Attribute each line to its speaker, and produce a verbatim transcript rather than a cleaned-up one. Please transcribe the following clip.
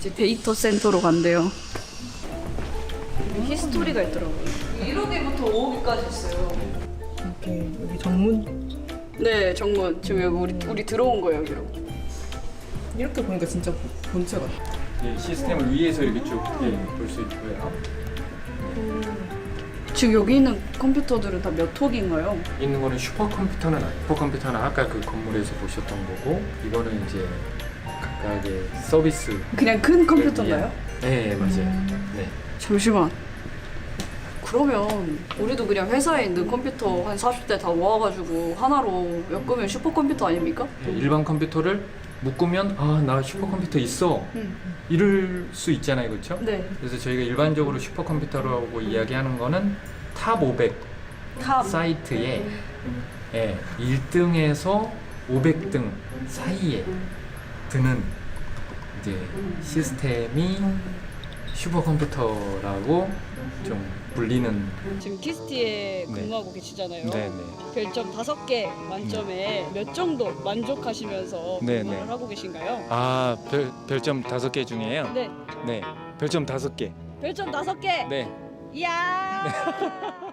Speaker 1: 이제 데이터 센터로 간대요. 여기 히스토리가 있더라고요. 일 호기부터 오 호기까지 있어요.
Speaker 2: 이렇게 여기 정문
Speaker 1: 네, 정문. 지금 여기 우리 우리 들어온 거예요, 여기로.
Speaker 2: 이렇게 보니까 진짜 본체 같아.
Speaker 3: 예, 시스템을 위에서 이렇게 쭉 볼 수 있고요.
Speaker 1: 지금 여기 있는 컴퓨터들은 다 몇 호기인가요?
Speaker 3: 있는 거는 슈퍼컴퓨터는 아니에요. 슈퍼컴퓨터는 아까 그 건물에서 보셨던 거고, 이거는 이제 각각의 서비스.
Speaker 1: 그냥 큰 컴퓨터인가요?
Speaker 3: 네, 맞아요.
Speaker 1: 음.
Speaker 3: 네.
Speaker 1: 잠시만. 그러면 우리도 그냥 회사에 있는 컴퓨터 한 사십 대 다 모아가지고 하나로 엮으면 슈퍼컴퓨터 아닙니까?
Speaker 3: 일반 컴퓨터를 묶으면 아, 나 슈퍼컴퓨터 있어.
Speaker 1: 응.
Speaker 3: 이럴 수 있잖아요, 그렇죠?
Speaker 1: 네.
Speaker 3: 그래서 저희가 일반적으로 슈퍼컴퓨터라고 이야기하는 거는 탑 오백
Speaker 1: 탑.
Speaker 3: 사이트에 예, 일 등에서 오백 등 사이에 드는 이제 시스템이 슈퍼컴퓨터라고 좀 불리는.
Speaker 1: 지금 키스티에
Speaker 3: 네.
Speaker 1: 근무하고 계시잖아요.
Speaker 3: 네네.
Speaker 1: 별점 다섯 개 만점에 몇 정도 만족하시면서
Speaker 3: 네,
Speaker 1: 근무를
Speaker 3: 네.
Speaker 1: 하고 계신가요?
Speaker 3: 아, 별, 별점 다섯 개 중에요?
Speaker 1: 네.
Speaker 3: 네. 별점 다섯 개.
Speaker 1: 별점 다섯 개.
Speaker 3: 네.
Speaker 1: 이야.